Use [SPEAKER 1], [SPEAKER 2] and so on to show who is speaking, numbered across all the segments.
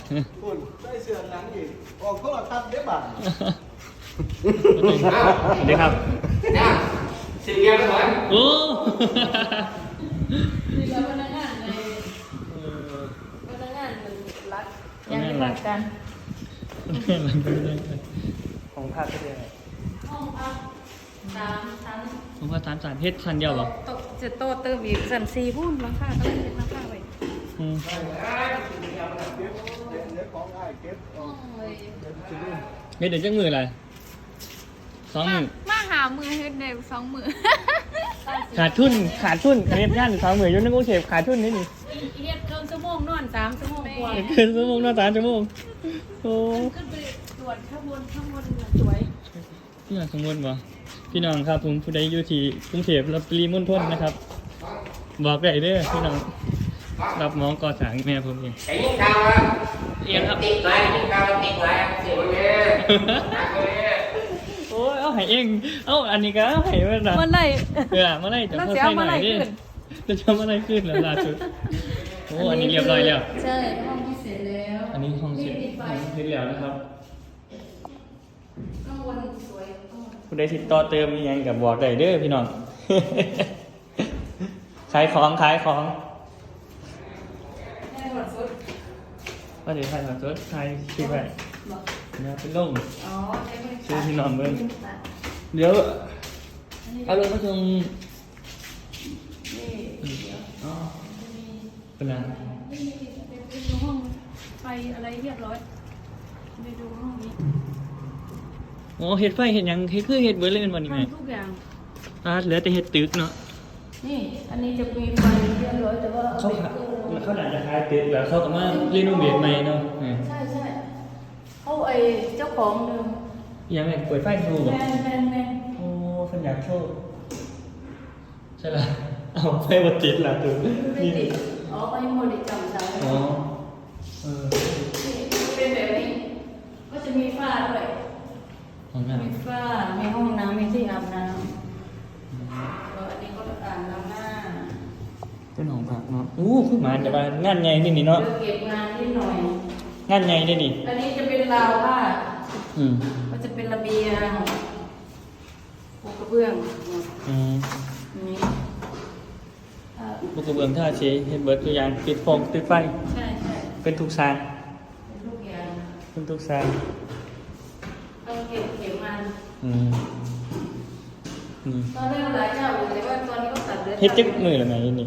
[SPEAKER 1] คุณได้เสื้อหนังอีกออกโทรทัศน์ได้บ้าง
[SPEAKER 2] สวัสดีครับ
[SPEAKER 3] เนี่ยสี่เกียร์ก็เหมือน
[SPEAKER 2] โอ้
[SPEAKER 4] นี่ก็พนักงานในพนักงานมันรัฐยังไม่รักกัน
[SPEAKER 2] ของภาคก็ได้
[SPEAKER 4] ห้องพัก3 ชั้น
[SPEAKER 2] ผมว่า3 เพชรชั้นเดียวหรอ
[SPEAKER 4] จะโตเติมอีกชั้น4พุ่นราคาก็เลยเป็นราคาไว้
[SPEAKER 1] เดี๋ยวของง่ายเก็บ
[SPEAKER 4] ห้องเลย
[SPEAKER 2] เดี๋ยวจังมืออะไร2 มือ
[SPEAKER 5] มาหามือเฮ็ดได้2 มือ
[SPEAKER 2] ขาดทุนเรียบย่าน2 มือยุ่งนึกว่าเสพขาดทุนนี่นี่
[SPEAKER 4] เฮ็ดเกินชั่วโมงนอน3 ชั่วโมงกว่า
[SPEAKER 2] เกินชั่วโมงนอน3 ชั่วโมงโอ้
[SPEAKER 4] ขึ้นไปตรวจข้างบนสวย
[SPEAKER 2] พี่น้องสมมติบ่พี่น้องครับผมผู้ใดอยู่ที่กรุงเทพและปริมณฑลนะครับ บอกได้เด้อพี่น้องรับหมอก่อสร้างแม่ผมเอง
[SPEAKER 3] ไอ้ยิ่งกาวอ่ะ
[SPEAKER 2] เองครับ
[SPEAKER 3] ติดไรยิ่งกาวติดไรเสียวันนี้หนักเลย
[SPEAKER 2] โอ้ยเอาให้เองเอาอันนี้ก็เอาให้ไว้นะ
[SPEAKER 4] มันไหน
[SPEAKER 2] เมื่อไรจะเข้าใส่หน่อยดิจะทำอะไรขึ้นแล้วล่าสุดโอ้อันนี้เรียบร้อยแล้ว
[SPEAKER 4] ใช่ห้องที่เสร็จแล้ว
[SPEAKER 2] อันนี้ห้องเสร็จเสร็จแล้วนะครับ
[SPEAKER 4] ข้างบนสวยข้างบน
[SPEAKER 2] ผู้ใดติดต่อเติมยังกับบอกได้เด้อพี่น้อง ขายของ
[SPEAKER 4] แม่หมดสุด
[SPEAKER 2] ว่าเดี๋ยวขายของสดขายชื่อไป
[SPEAKER 4] บอก
[SPEAKER 2] นะเป็นลง
[SPEAKER 4] อ๋อใช้บริ
[SPEAKER 2] ชื่อ
[SPEAKER 4] การ
[SPEAKER 2] พี่น้องเบิ้งเดี๋ยวเอาลงมาตรง
[SPEAKER 4] นี่
[SPEAKER 2] อ๋อเป็นไร
[SPEAKER 4] ไปดูห้องไฟอะไรเรียบร้อยไปดูห้องนี้
[SPEAKER 2] โอ้เห็ดไฟเห็ดหยังเห็ดคือเห็ดเบิร์ดเลยเป็นวันนี้ไหม
[SPEAKER 4] ทำทุกอย่าง
[SPEAKER 2] เหลือแต่เห็ดตึกเนาะ
[SPEAKER 4] นี่ อันนี้จะมีไฟเรียบร้อยแต่ว่า
[SPEAKER 2] เขาขาเขาหนาจะขายตึกแล้วเขาก็มาเรียนรู้เบียดใหม่เนาะ
[SPEAKER 4] ใช่ใช่เขาไอเจ้าของเดิม
[SPEAKER 2] ยังไงเปิดไฟโชว์
[SPEAKER 4] แม
[SPEAKER 2] บ่
[SPEAKER 4] น
[SPEAKER 2] โอ้คนอยากโชว์ใช่ละเอาไฟบดติดละตึก
[SPEAKER 4] ไม่
[SPEAKER 2] นี่
[SPEAKER 4] ติดอ๋อไปหมดจำได้
[SPEAKER 2] อ๋อ
[SPEAKER 4] นี่เป็นแบบนี้ ก็จะมีฝ้าด้วย
[SPEAKER 2] ห้องน้
[SPEAKER 4] มีฝ้ามีห้องน้ำมีที่อาบน้ำแล้วอันนี้ก็อ่างล้างหน้า
[SPEAKER 2] ำเป็นห้องพักเนาะอู้คือหมาจะมางานใหญ่นี่เนาะ
[SPEAKER 4] เดี๋ยวเก็บงานนิดหน่อย
[SPEAKER 2] งานใหญ่ได้ดิ
[SPEAKER 4] อันนี้จะเป็นราวผ้า
[SPEAKER 2] อืม
[SPEAKER 4] ก็จะเป็นระเบียงปูกระเบื้อง
[SPEAKER 2] อืม
[SPEAKER 4] นี้
[SPEAKER 2] ลูกกระเบื้องท่าเชเฮ็ดเบิร์ดตัวอย่างปิดโฟมติดไฟ
[SPEAKER 4] ใช่ใช่
[SPEAKER 2] เป็นทุกซาง
[SPEAKER 4] เป็นทุกอย่าง
[SPEAKER 2] เป็นทุกซาง
[SPEAKER 4] ต้องเก็บมัน
[SPEAKER 2] อืมนี่
[SPEAKER 4] ตอนแรกหลายเจ้าอยู่แต่ว่าตอนนี้ก็ตัดเหลือ
[SPEAKER 2] เฮ็ดจักมือละไงนี่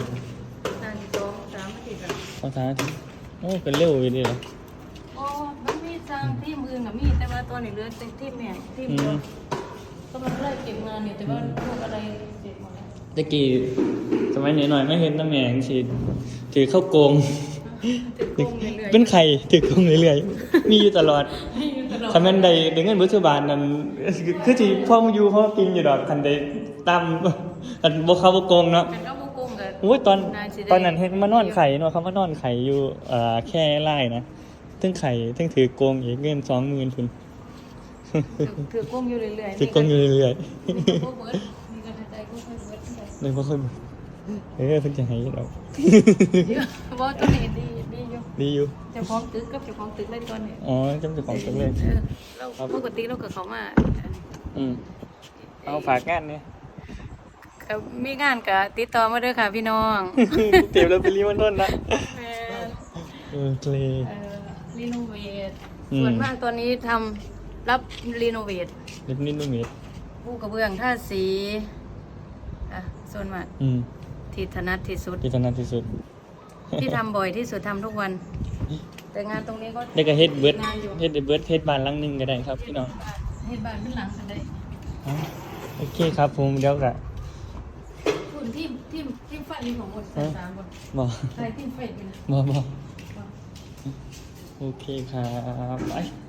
[SPEAKER 4] 3 อาทิตย์แล้ว
[SPEAKER 2] 2-3 อาทิตย์โอ้ก็เร็วอยู่ดีเลย
[SPEAKER 4] โอ้มันมีสร้างที่มือกับมีแต่ว่าตอนนี้เหลือแต่ที่แม่ที่เดียวก็มันไล่เก็บงานอยู่แต่ว่าพวกอะไรเสร็จหมดแล้ว
[SPEAKER 2] ตะกี้สมัยหน่อยๆไม่เห็นน้ำแมงสิถือเข้าโกง
[SPEAKER 4] ติดโกงเรื่อยๆ
[SPEAKER 2] เป็นไข่ถือโกงเรื่อยๆมีอยู่ตลอด
[SPEAKER 4] ให้อยู่ตลอด
[SPEAKER 2] คันแม่นใดเงินบุษบาลนั้นคือที่พ่อมาอยู่พ่อกินอยู่ดอกคันใดตามคันบ่เข้าบ่โกงเนาะ
[SPEAKER 4] มันก็บ่โกงกัน
[SPEAKER 2] โอ้ยตอน
[SPEAKER 4] ายสิได้
[SPEAKER 2] ตอนนั้นเห็นมานอนไข่เนาะเขามานอนไข่อยู่แค่ไร่นะถึงไข่ถึงถือโกงอีกเงิน20,000พุ่น
[SPEAKER 4] ถือโกงอยู่เรื่อยๆ
[SPEAKER 2] ถือโกงอยู่เรื่อย
[SPEAKER 4] นี่ก็บ่เบิดนี่ก็ใจก็ค่อยเบิด
[SPEAKER 2] ๆเลยบ่ค่อยบ่เพิ่นจะให้เรา
[SPEAKER 4] บ่ตัวนี้ดีอยู่
[SPEAKER 2] ดีอยู่
[SPEAKER 4] เจ้าของตึกกับเจ้าของตึกเลยตัวนี้
[SPEAKER 2] อ๋อจำเป็นของตัวเลย
[SPEAKER 4] เราปกติเราก็เข้ามา
[SPEAKER 2] อืมเอาฝากงานเนี่ย
[SPEAKER 4] มีงานก็ติดต่อมาเด้อค่ะพี่น้อง
[SPEAKER 2] เตรียมแล้วไปรีมันต้นนะ
[SPEAKER 4] แม่
[SPEAKER 2] เคล
[SPEAKER 4] รีโนเวท
[SPEAKER 2] อืม
[SPEAKER 4] ส่วนมากตอนนี้ทำรับรีโนเวท
[SPEAKER 2] เล็บนิดนุ่มนิด
[SPEAKER 4] ผู้กระเบื้องท่าสีอ่ะส่วนมาก
[SPEAKER 2] อืม
[SPEAKER 4] ที่ถนัดที่สุด
[SPEAKER 2] ที่ถนัดที่สุด
[SPEAKER 4] ที่ทำบ่อยที่สุดทำทุกวัน แต่งานตรงนี้ก็
[SPEAKER 2] ได้ก็เฮ็ดเบิร์ด
[SPEAKER 4] งานอยู่
[SPEAKER 2] เฮ็ดเบิร์ดเฮ็ดบ้านหลังหนึงก็ได้ครับพี่น้อง
[SPEAKER 4] เฮ็ดบ้านเป็นหลังกันได้
[SPEAKER 2] อ๋อโอเคครับผมเดี๋ยวก็
[SPEAKER 4] คุณทีมฟันนี่ของหมดสามคน
[SPEAKER 2] บ่
[SPEAKER 4] ใครทีมเฟดนี่นะ
[SPEAKER 2] บ่โอเคครับไป